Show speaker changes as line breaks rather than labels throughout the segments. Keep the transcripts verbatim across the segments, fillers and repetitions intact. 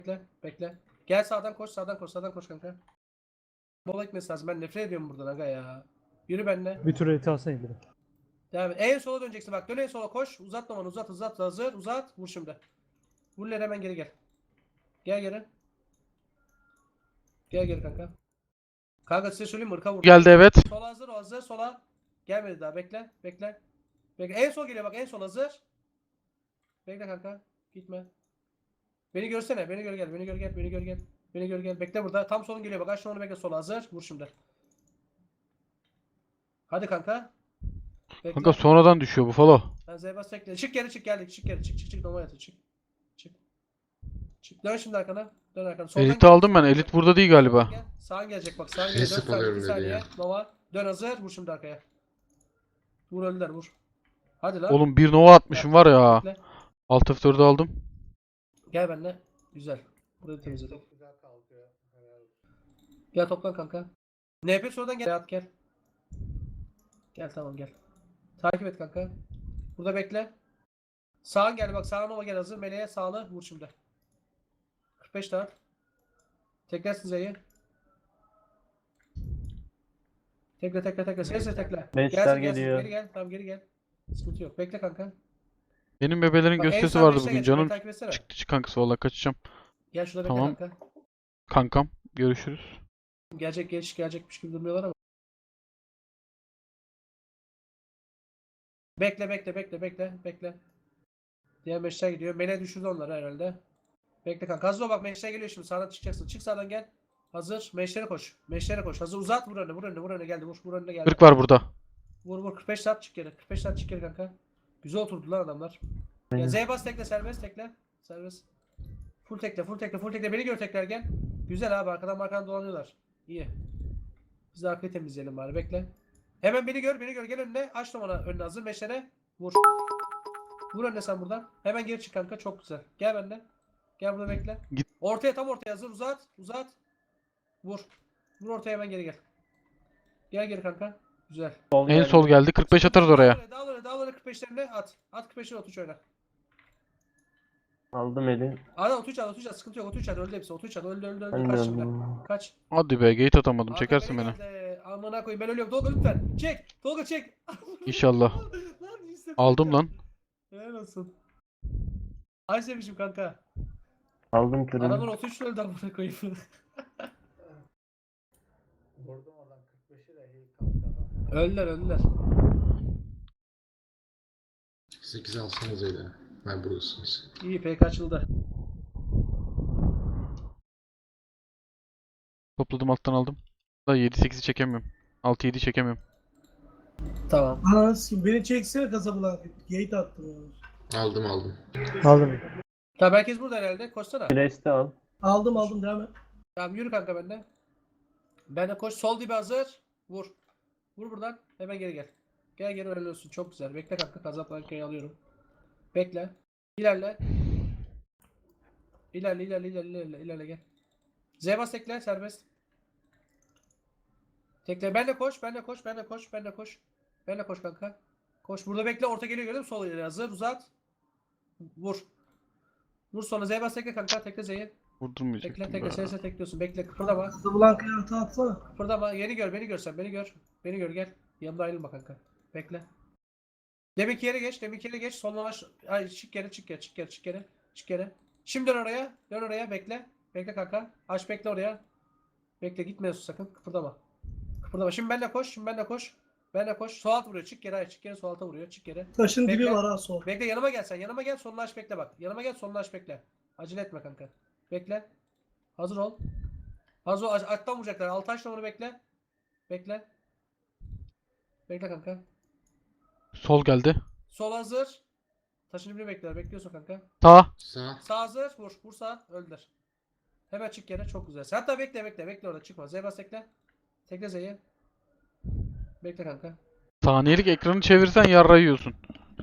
Bekle. Bekle. Gel sağdan koş. Sağdan koş. Sağdan koş kanka. Bola gitmesi lazım. Ben nefret ediyorum buradan aga ya. Yürü benimle.
Bir tur eti alsana İldir'e.
Devam et. En sola döneceksin bak. Dön en sola koş. Uzatma onu. Uzat uzat. Hazır. Uzat. Vur şimdi. Vur lan hemen geri gel. Gel geri. Gel geri kanka. Kanka size söyleyeyim mi? Irka vur.
Geldi evet.
Sola hazır. O hazır. Sola. Gelmedi daha. Bekle. Bekle. Bekle. En sol geliyor bak. En sol hazır. Bekle kanka. Gitme. Beni görsene. Beni gör gel. Beni gör gel. Beni gör gel. Beni gör gel. Bekle burada. Tam solun geliyor bak. Aç onu bekle. Sola hazır. Vur şimdi. Hadi kanka. Bekle.
Kanka sonradan düşüyor bu follow.
Ben Zebas bekle. Çık geri çık geldik. Çık geri çık çık çık. Normal yatır. Çık. Çık. Çık. Dön şimdi arkana. Dön arkana. Soldan
Elit'i
gel.
aldım ben. Elit burada değil galiba.
Gel. Sağın gelecek bak. Sağın gelecek.
Kesip
dört saniye.
alıyorum
iki
dedi
saniye.
ya.
Nova. Dön hazır. Vur şimdi arkaya. Vur öldüler vur. Hadi lan.
Oğlum bir nova atmışım var ya.
Bekle.
Alt F dördü aldım.
Gel benimle. Güzel. Burayı temizledim. Gel toplan kanka. N P sonradan gel. At gel. Gel tamam gel. Takip et kanka. Burada bekle. Sağın gel bak. Sağın Nova gel hazır. Meleğe sağlı. Vur şimdi. kırk beş daha. Tekrar sizeyi. Tekle tekle tekle. Sesle tekle.
Beşler
Gelsin, gelsin.
geliyor.
Geri gel. Tamam geri gel. Sıkıntı yok. Bekle kanka.
Benim bebelerin
Bak, en
gösterisi
sağ
vardı
beşte
bugün.
geç,
Canım
beni takip etsene.
çıktı çık kankası valla kaçacağım.
Gel şurada bekle
Tamam.
kanka.
Kankam görüşürüz.
Gelecek geç gelecekmiş gibi durmuyorlar ama. Bekle bekle bekle bekle bekle. Diğer meşler gidiyor. Mele düşürdü onları herhalde. Bekle kanka. Hazır ol bak meşler geliyor şimdi. Sağdan çıkacaksın. Çık sağdan gel. Hazır. Meşlere koş. Meşlere koş. Hazır uzat vur önüne vur önüne vur önüne geldi. Vur vur önüne geldi.
kırk var burada.
Vur vur kırk beş saat çık geri. kırk beş saat çık geri kanka. Güzel oturdu lan adamlar. Ya Z bas tekle serbest tekle. Serbest. Full tekle full tekle full tekle. Beni gör tekrar gel. Güzel abi arkadan arkadan dolanıyorlar. İyi. Biz de arkayı temizleyelim bari bekle. Hemen beni gör beni gör gel önüne. Aç numara önüne hazır meşlere. Vur. Vur önüne sen buradan. Hemen geri çık kanka çok güzel. Gel benimle. Gel burada bekle.
Git.
Ortaya tam ortaya hazır uzat. Uzat. Vur. Vur ortaya hemen geri gel. Gel geri kanka. Güzel.
Sol
En
geldi.
sol geldi. kırk beş atarız oraya.
Dağıl oraya, dağıl oraya kırk beşlerine at. At kırk beşine otuç oyna.
Aldım eli.
Ara otuç at, otuç at. Sıkıntı yok. Otuç at. Öldü hepsi. Otuç at. Öldü, öldü, öldü.
Ben de
Kaç şimdi.
öldüm.
Kaç.
Hadi be gate atamadım.
Hakan
Çekersin beni.
geldi. Amına koyayım ben ölüyorum. Tolga lütfen. Çek. Tolga çek.
İnşallah.
Lan yüz
Aldım lan.
Helal olsun. Ay sevmişim kanka.
Aldım
Adamın
kırım.
otuç öldü amına koyayım. Öldüler, öldüler.
sekiz alsanız öyle. Ben buradasınız.
İyi pek açıldı.
Topladım alttan aldım. Da yedi sekizi çekemiyorum. altı yedi çekemiyorum.
Tamam.
Anasını beni çeksene kasabılar. Gate attım onu.
Aldım aldım.
Aldım.
Tamam herkes burada herhalde. Koşsana.
Flash'te al.
Aldım aldım devam et.
Tamam yürü kanka bende. Ben de koş. Sol dibe hazır. Vur. Vur buradan. Hemen geri gel. Gel geri öyle olsun. Çok güzel. Bekle kanka. Kazap arkayı alıyorum. Bekle. İlerle. İlerle ilerle ilerle ilerle ilerle gel. Zebas tekle serbest. Tekle. Ben de koş. Ben de koş. Ben de koş. Ben de koş. Ben de koş kanka. Koş. Burada bekle. Orta geliyor gördün mü? Sol ileri hazır. Uzat. Vur. Vur sonra Zebas tekle kanka. Tekle Z'yi. Tekle
Vurdurmayacaktım
tekle.
be.
Sesle tekliyorsun. Bekle. Kıpırdama.
Casablanca'ya hata atsana.
Kıpırdama. Yeni gör. Beni görsen. Beni gör. Beni gör gel. Yanımda ayrılma kanka. Bekle. Deminki yere geç. Deminki yere geç. Sonlamaş. Ay çık geri çık geri çık geri çık geri. Çık geri. Şimdi dön oraya. Dön oraya. Bekle. Bekle kanka. Aç bekle oraya. Bekle gitmiyorsun sakın. Kıpırdama. Kıpırdama. Şimdi benle koş. Şimdi benle koş. Benle koş. Sol alt vuruyor. Çık geri. Hayır çık geri. Sol alta vuruyor. Çık geri.
Taşın
Bekle.
dibi var ha sol.
Bekle yanıma gel sen. Yanıma gel. Sonunu aç bekle bak. Yanıma gel. Sonunu aç bekle. Acele etme kanka. Bekle. Hazır ol. Hazır ol. Alttan vuracaklar. Altı aç onu bekle. Bekle. Bekle kanka.
Sol geldi.
Sol hazır. Taşın dibini bekler. Bekliyorsun kanka.
Sağ.
Sağ.
Sağ hazır. Vur. Vur sağ. Öldür. Hemen çık yere. Çok güzel. Sen hatta bekle bekle. Bekle orada çıkma. Z bas tekle. Tekle Z'yi. Bekle kanka.
Saniyelik ekranı çevirsen yarra yiyorsun.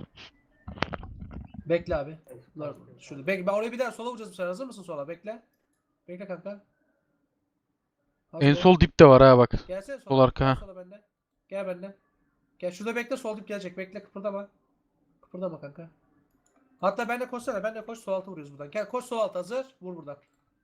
Bekle abi. Bunlar şurada. Bekle. Ben oraya bir daha sola vuracağız bu sefer. Hazır mısın sola? Bekle. Bekle kanka. Hazır
En
ol.
sol dipte var ha bak.
Gelsene sola.
sol arka,
Gel
ha.
sola bende. Gel bende. Gel şurada bekle. Sol dip gelecek. Bekle. Kıpırdama. Kıpırdama kanka. Hatta ben de koşsana. Ben de koş. Sol altı vuruyoruz buradan. Gel koş sol altı hazır. Vur buradan.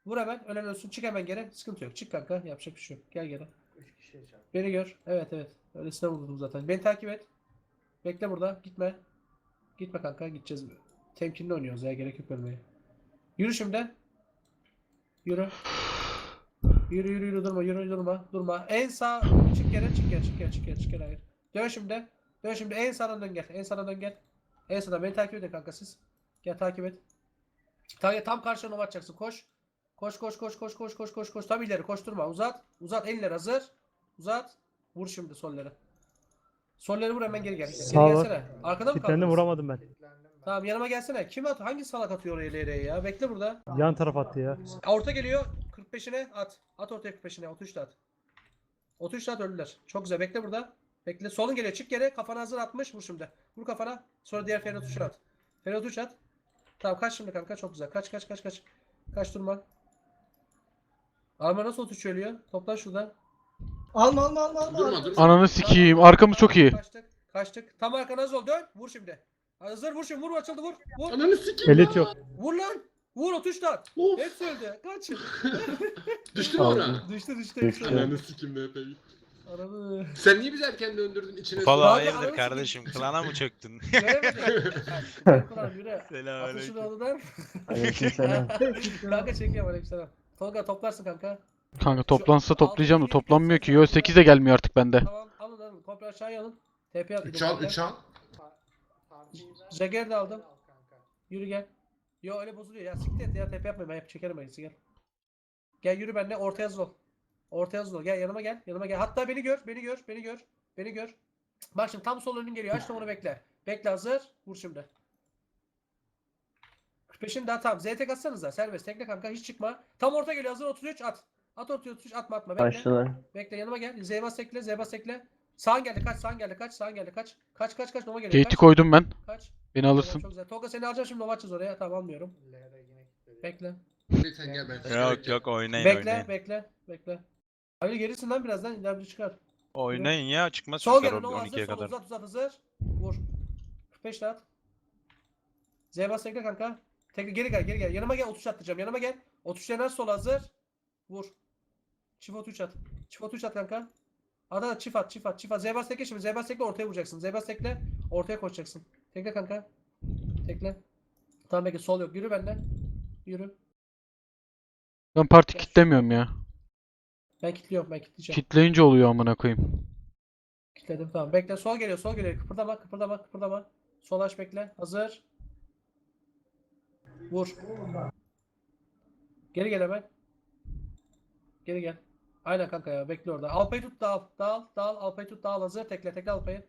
Vur hemen. Ölen ölsün. Çık hemen geri. Sıkıntı yok. Çık kanka. Yapacak bir şey yok. Gel geri. Beni gör. Evet evet. Öylesine vurdum zaten. Beni takip et. Bekle burada. Gitme. Gitme kanka. Gideceğiz. Temkinli oynuyoruz ya. Gerek yok ölmeye. Yürü şimdi. Yürü. Yürü yürü yürü durma yürü durma durma. En sağ çık geri çık geri çık geri çık geri çık geri hayır. Dön şimdi. Dön şimdi en sağdan dön gel. En sağdan dön gel. En sağdan beni takip edin kanka siz. Gel takip et. Tam, tam karşına nova atacaksın. Koş. Koş koş koş koş koş koş koş koş. Tam ileri koşturma. Uzat. Uzat eller hazır. Uzat. Vur şimdi solları. Solları vur hemen geri gel. Geri
Sağ var.
gelsene. Arkada mı
Kitlendi
kaldınız?
vuramadım ben.
Tamam yanıma gelsene. Kim at? Hangi salak atıyor oraya ileriye ya? Bekle burada.
Yan taraf attı ya.
Orta geliyor. kırk beşine at. At ortaya kırk beşine. otuz üçte at. otuz üçte at öldüler. Çok güzel. Bekle burada. Bekle. Solun geliyor. Çık geri. Kafana hazır atmış. Vur şimdi. Vur kafana. Sonra diğer Ferhat Uç'a at. Ferhat Uç at. Tamam kaç şimdi kanka. Çok güzel. Kaç kaç kaç kaç. Kaç durma. Arma nasıl otuz üç ölüyor? Toplan şurada.
Alma alma alma alma.
Durma durma.
Ananı sikeyim. Arkamız çok iyi.
Kaçtık. Kaçtık. Tam arkana hazır ol. Dön. Vur şimdi. Hazır vur şimdi. Vur açıldı vur. Vur.
Ananı sikeyim
Elit
ya.
yok.
Vur lan. Vur otuz üçte at.
Of.
Hepsi öldü. Kaç.
Düştü mü ona?
düştü düştü.
Düştü.
Hepsi öldü.
Ananı sikeyim be peki.
Ananı.
Sen niye bizi erken döndürdün içine?
Valla
Abi,
hayırdır
anasını
kardeşim?
sikeyim.
Klana mı çöktün?
Göremedim. Ben kulağım yürü. Atışın
Selamünaleyküm.
oğludan.
Aleykümselam.
Kanka çekiyorum aleykümselam. Tolga toplarsın kanka.
Kanka toplansa
Şu
toplayacağım da
altı,
toplanmıyor
yedi,
ki. Yo sekiz de gelmiyor artık bende.
Tamam alın alın. Komple aşağıya alın. T P at.
üç al üç al.
Jagger de aldım. Yürü gel. Yo öyle bozuluyor ya. Siktir et ya. T P yapmayın. Ben yap çekerim ayısı gel. Gel yürü benimle. Ortaya hazır ol. Ortaya hazır ol. Gel yanıma gel. Yanıma gel. Hatta beni gör. Beni gör. Beni gör. Beni gör. Bak şimdi tam sol önün geliyor. Aç onu bekle. Bekle hazır. Vur şimdi. kırk beşin daha tamam. Z tek atsanıza. Serbest. Tekle kanka. Hiç çıkma. Tam orta geliyor. Hazır otuz üç at. At otuz üç atma atma. Bekle.
Başladılar.
Bekle yanıma gel. Z bas tekle. Z bas tekle. Sağın geldi kaç. Sağın geldi kaç. Sağın geldi kaç. Kaç kaç kaç. Nova geliyor.
Gate'i
Kaç.
koydum ben.
Kaç.
Beni alırsın.
Çok güzel. Tolga seni alacağım şimdi. Nova açacağız oraya. Tamam almıyorum. Bekle.
Sen gel ben.
Yok yok oynayın
Bekle,
oynayın.
bekle, bekle. Abi gerisin lan birazdan ileride çıkar.
Oynayın ya çıkmaz
Sol
çocuklar
gel, Nova hazır,
on ikiye
sol
kadar.
uzat uzat hazır. Vur. kırk beş at. Z bas tekle kanka. Tekle geri gel, geri gel. Yanıma gel, otuz atacağım. Yanıma gel. otuz dener sol hazır. Vur. Çift otuz at. Çift otuz at kanka. Ada çift at, çift at, çift at. Z bas tekle şimdi. Z bas tekle ortaya vuracaksın. Z bas tekle ortaya koşacaksın. Tekle kanka. Tekle. Tamam bekle, sol yok. Yürü benden. Yürü.
Ben parti kitlemiyorum ya.
Ben kilitliyorum, ben kilitleyeceğim.
Kitleyince oluyor amına koyayım.
Kilitledim tamam. Bekle sol geliyor sol geliyor. Kıpırdama kıpırdama kıpırdama. Sol aç bekle. Hazır. Vur. Geri gel hemen. Geri gel. Aynen kanka ya bekle orada. Alpayı tut dağıl. Dağıl dağıl. Alpayı tut dağıl hazır. Tekle tekle Alpayı.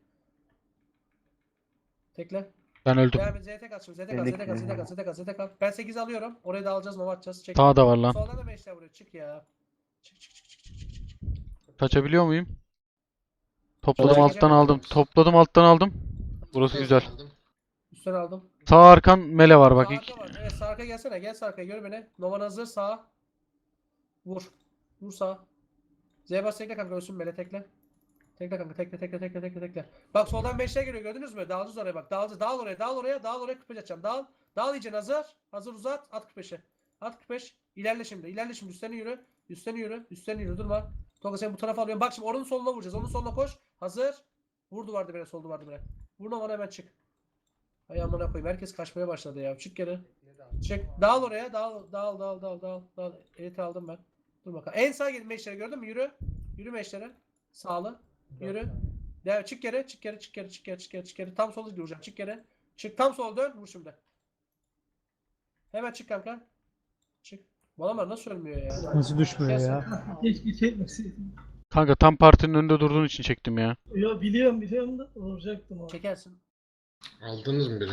Tekle.
Ben öldüm.
Devam et. Z T kaç şimdi. Z T kaç. Z T kaç. Z T kaç. Z T kaç. Z T kaç. Ben sekiz alıyorum. Orayı da alacağız. Nova atacağız. Çek.
Sağ da var lan.
Soldan da meşler buraya. Çık ya. Çık çık çık çık çık çık. çık.
Kaçabiliyor muyum? Topladım
Kolay
alttan
gelsin.
aldım. Topladım alttan aldım. Burası güzel.
Aldım.
Üstten aldım.
Sağ arkan mele var bak.
Sağ
ilk-
arka var. Evet sağ arka gelsene. Gel sağ arkaya gör beni. Novan hazır sağ. Vur. Vur sağ. Z bas tekle kanka ölsün böyle tekle. Tekle kanka tekle tekle tekle tekle tekle. Bak soldan beşler geliyor gördünüz mü? Dağılacağız oraya bak. Dağılacağız. Dağıl oraya. Dağıl oraya. Dağıl oraya kırk beş atacağım. Dağıl. Dağıl iyice hazır. Hazır uzat. At kırk beşe. At kırk beş. İlerle şimdi. İlerle şimdi. Üstlerine yürü. Üstlerine yürü. Üstlerine yürü. Durma. Tolga sen bu tarafa alıyorum. Bak şimdi oranın soluna vuracağız. Onun soluna koş. Hazır. Vur duvarda bire. Sol duvarda bire. Vur bana hemen çık. Ay amına koyayım. Herkes kaçmaya başladı ya. Çık geri. Çık. Dağıl oraya. Dağıl. Dağıl. Dağıl. Dağıl. Dağıl. Dağıl. Elite aldım ben. Dur bakalım. En sağa gidin meşlere gördün mü? Yürü. Yürü meşlere. Sağlı. Yürü. Devam. Çık geri. Çık geri. Çık geri. Çık geri. Çık geri. Çık geri. Tam sola duracağım. Çık geri. Çık. Tam sola dön. Vur şimdi. Hemen çık kanka. Çık. Balamar nasıl ölmüyor ya?
Nasıl düşmüyor
Gelsin.
ya?
Keşke çekmeseydin.
Kanka tam partinin önünde durduğun için çektim ya.
Yo biliyorum biliyorum da vuracaktım abi.
Çekersin.
Aldınız mı biri?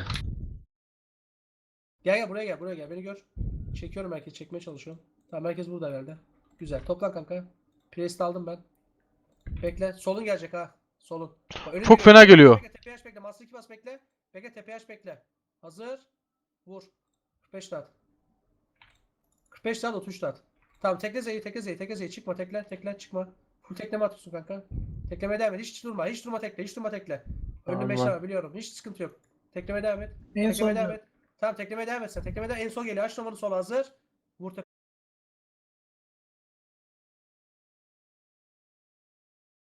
Gel gel buraya gel. Buraya gel. Beni gör. Çekiyorum herkes. Çekmeye çalışıyorum. Tamam herkes burada herhalde. Güzel. Toplan kanka. Priest aldım ben. Bekle. Solun gelecek ha. Solun. Bak, önün
Çok fena geliyor.
Bekle, tepeye aç bekle. Master iki bas bekle. Bekle tepeye aç bekle. Hazır. Vur. kırk beş at. kırk beş at otuz at. Tamam tekle Z'yi tekle Z'yi tekle Z'yi çıkma tekle tekle çıkma. Full tekleme atıyorsun kanka. Teklemeye devam et. Hiç durma. Hiç durma tekle. Hiç durma tekle. Önünde
Tamam.
meşler var biliyorum. Hiç sıkıntı yok. Teklemeye devam et.
En son
Teklemeye devam et. Tamam teklemeye devam et sen. Teklemeye devam et. En son geliyor. Aç numaranı sola hazır.